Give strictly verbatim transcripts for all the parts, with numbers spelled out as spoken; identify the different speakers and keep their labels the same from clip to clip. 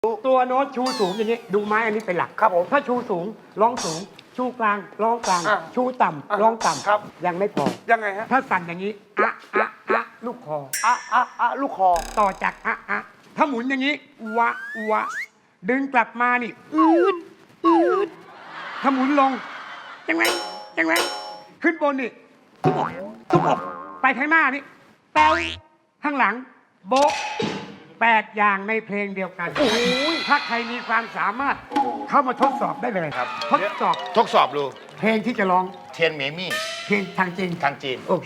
Speaker 1: ตัวโน้ตชูสูงอย่างนี้ดูไม้อันนี้เป็นหลักครับผมถ้าชูสูงร้องสูง ชูกลางร้องกลางชูต่ำร้องต่ำยังไม่พอ
Speaker 2: ยังไงฮะ
Speaker 1: ถ้าสั่นอย่างนี้อะอะอะลูกคอ
Speaker 2: อะอะอะลูกคอ
Speaker 1: ต่อจากอะอะถ้าหมุนอย่างนี้วะวะดึงกลับมานี่อืดอืดถ้าหมุนลงยังไงยังไงขึ้นบนนี่ทุบอกทุบอกไปข้างหน้านี่แป๊วข้างหลังโบ๊ะแปดอย่างในเพลงเดียวกันถ้าใครมีความสามารถเข้ามาทดสอบได้เลยครับทดสอบ
Speaker 3: ทดสอบดู
Speaker 1: เพลงที่จะร้อง
Speaker 3: เทียนเมมี่
Speaker 1: เพลงทางจีน
Speaker 3: ทางจีน
Speaker 1: โอเค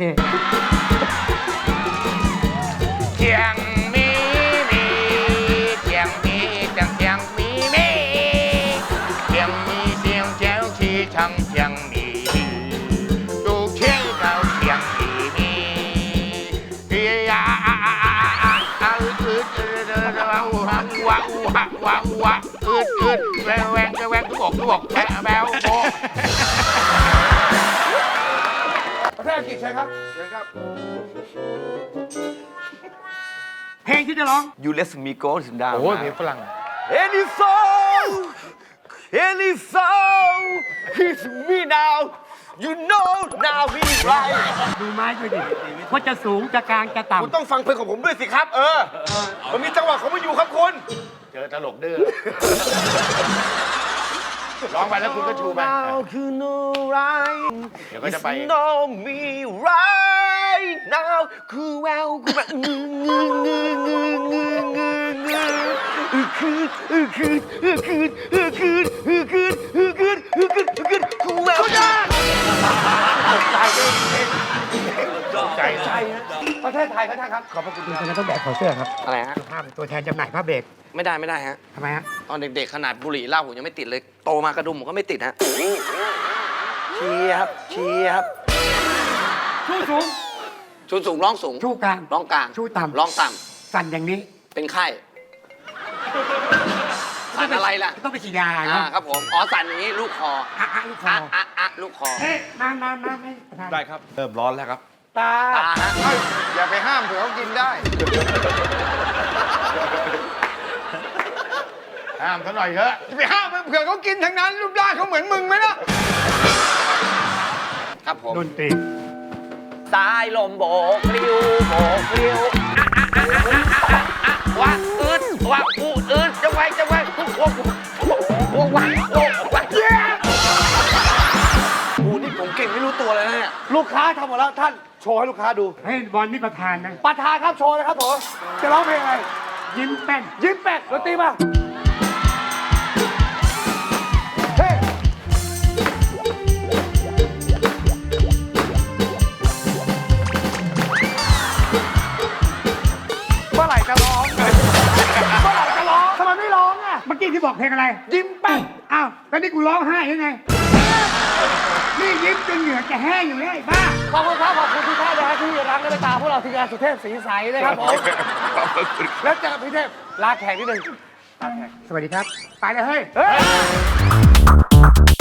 Speaker 3: เทียงมีมีเทียงมีเทียงเทียงมีมีเทียงมีเสียงแจ้วที่ช่างเทียงมีดูเทียงเก่าเทียงมีมีเฮียอะอะอะอะอะอะอึดอึดวะวะวะวะวะวะอึดอึดแหวงแหวงแหวงทุกบอกทุกบอกแหวแหววโบ
Speaker 2: ประเทศอังกฤษใช่ครับเชิญครับ
Speaker 1: เพลงที่จะร้อง
Speaker 4: You let me go ถึงดาว
Speaker 3: โอ้ยเพลงฝรั่ง
Speaker 4: Any song Any song It's me now You know now me right
Speaker 1: ดูไม้ด้วยดิว่าจะสูงจะกลางจะต่ำ
Speaker 4: คุณต้องฟังเพลงของผมด้วยสิครับ เออ มันมีจังหวะของมันอยู่ครับคุณ
Speaker 3: เจอตลกดื้อร้องไปแล้วคุณก็ชูไป
Speaker 4: Now คือ no right
Speaker 3: เดี๋ยวก็จะไป
Speaker 4: It's no me right now คือแววคือแบบงืองืองืองืองืองืองืออือคืนอือคืนอือคืนอือคืนอือคืนอือคืนอือคืนอือคืนคือแวว
Speaker 3: ใจใจ
Speaker 2: ประเทศไทยครับท่านครับขอบพระคุณ
Speaker 1: คุณจะต้องแบกขอเสื้อครับ
Speaker 4: อะไรฮะ
Speaker 1: ภาพตัวแทนจำหน่ายผ้าเบรก
Speaker 4: ไม่ได้ไม่ได้ฮะ
Speaker 1: ทำไมฮะ
Speaker 4: ตอนเด็กๆขนาดบุหรี่เหล้าผมยังไม่ติดเลย โตมากระดุมผมก็ไม่ติดฮะเชียร์ครับเชียร์ครับ
Speaker 1: ชูสูง
Speaker 4: ชูสูงร้องสูง
Speaker 1: ชูกลาง
Speaker 4: ร้องกลาง
Speaker 1: ชูต่ำ
Speaker 4: ร้องต่
Speaker 1: สั่นอย่างนี้
Speaker 4: ำเป็นไข้สั่นอะไรล่ะ
Speaker 1: ต้องไปฉีดยา
Speaker 4: อ่า
Speaker 1: เนาะ
Speaker 4: ครับผมอ๋อสั่นอย่างนี้ลูกคอ
Speaker 1: อะอะลูกคอ
Speaker 4: อะอะอะลูกคอ
Speaker 1: เอ๊ะมามามาให้ประธาน
Speaker 5: ได้ครับ เริ่มร้อนแล้วครับ
Speaker 2: ตา
Speaker 4: ตาฮะ
Speaker 3: อย่าไปห้ามเผื่อเขากินได้ ห้ามเขาหน่อยเถอะจะไปห้ามเผื่อเขากินทั้งนั้นรูปร่างเขาเหมือนมึงไหมล่ะ
Speaker 4: ครับผม
Speaker 1: ดนตรี
Speaker 4: สายลมโบกปลิวโบกปลิวว่าอืดว่าอูอืดจะไว้จะไว้ทุกคนวงวันโอ้วันเย้โอ้นี่ผมเก่งไม่รู้ตัวเลยนะเนี่ย
Speaker 2: ลูกค้าทำหมดแล้วท่านโชว์ให้ลูกค้าดู
Speaker 1: ให้บอลนี่ประธานนะ
Speaker 2: ประธานครับโชว์เลยครับผมจะร้องเพลงอะไร
Speaker 1: ยิ้มแป้น
Speaker 2: ยิ้มแปดดนตรีมาเฮ้เมื่อไหร่จะร้องเมื่อไหร่จะร้องทำไมไม่ร้องอ่ะ
Speaker 1: เมื่อกี้ที่บอกเพลงอะไร
Speaker 2: ยิ้มแป้น
Speaker 1: อ้าวแล้วนี่กูร้องไห้ยังไง นี่ยิ้มจนเหงื่อจะแห้งอยู่แล้วไอ้บ้า
Speaker 2: ขอบคุณครับขอบคุณทุกท่านนะฮะที่รักและเมตตาพวกเราทีมงานสุเทพศรีใสนะครับผมแล้วเจอกับพี่เทพลาแขกนิดนึง
Speaker 1: สวัสดีครับ ไปเลยเฮ้ย
Speaker 2: เฮ้ย